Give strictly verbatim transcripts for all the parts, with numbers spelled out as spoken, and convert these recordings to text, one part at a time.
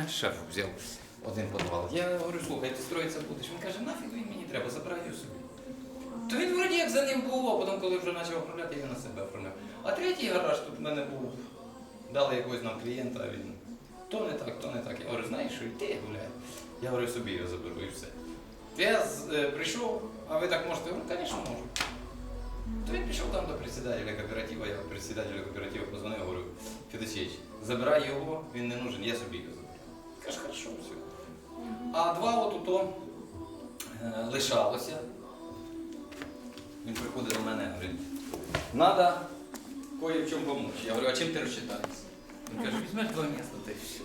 шеф взяв один підвал. Я говорю, слухай, ти строїтися будеш? Він каже, нафіг він мені треба, забирай його собі. То він вроді як за ним був, а потім, коли вже почав оформляти, я на себе оформляв. А третій гараж тут в мене був, дали якогось нам клієнта, а він то не так, то не так. Я говорю, знаєш, що йди гуляй. Я говорю, собі його заберу і все. Я з, е, прийшов, а ви так можете? Я говорю, звісно, можу. То він пішов там до председателя кооперативу, я председателю кооперативу позвонив, говорю, Федосійович, забирай його, він не нужен, я собі його заберу. Каже, хорошо, все. А два от то е, лишалося. Він приходить до мене і говорить, треба кое в чому допомогти. Я говорю, а чим ти розчитаєшся? Він каже, візьмеш два місця, та й все.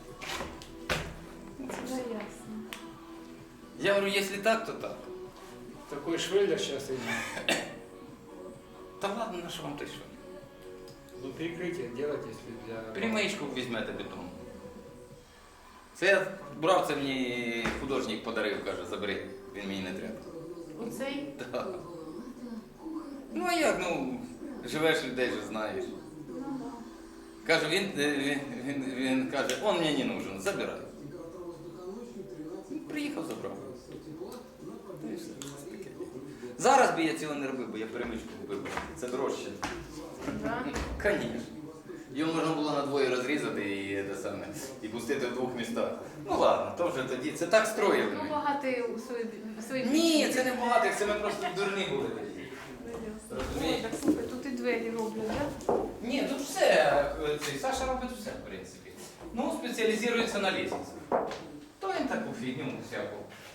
Це ясно. Я говорю, якщо так, то так. Такой швеллер сейчас идет. Та ладно, на що вам той що? Ну, перекрытие делать, если для... Перемичку візьмете бетон. Це я брав, це мені художник подарив, каже, забери, він мені не треба. Оцей? Так. Ну а як, ну, живеш людей же знаєш. Каже, він, він, він, він каже, он мені не нужен, забирай. Приїхав, забрав. Ну, і все. Зараз би я цього не робив, бо я перемичку вибрав. Це дорожче. Да. Звісно. Його можна було на двоє розрізати і, те саме, і пустити в двох містах. Ну ладно, то вже тоді. Це так строїли Ну, ми. багатий у свої, свої Ні, це не багатих, це ми просто дурні були тоді. Ой, так слухай, тут і двері роблять, так? Ні, тут все. е, цей, Саша робить все, в принципі. Ну, спеціалізується на лісниці. То він таку фігню всяку.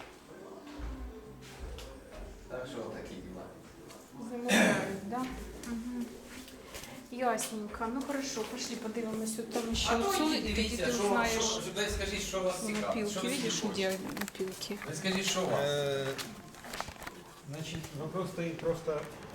Так що такі діла. Замовляють, так? Угу. Ясненько. Ну хорошо, пошли подивимось, от там ще А то оцю, йдіть, і тоді дивіться, ти що, знаєш що, що, дай скажіть, що вас цікавить. напілки. Що ви Видиш, собі хочете? ідеальні напілки. Ви скажіть, що у вас? Э, Значит, вопрос стоит просто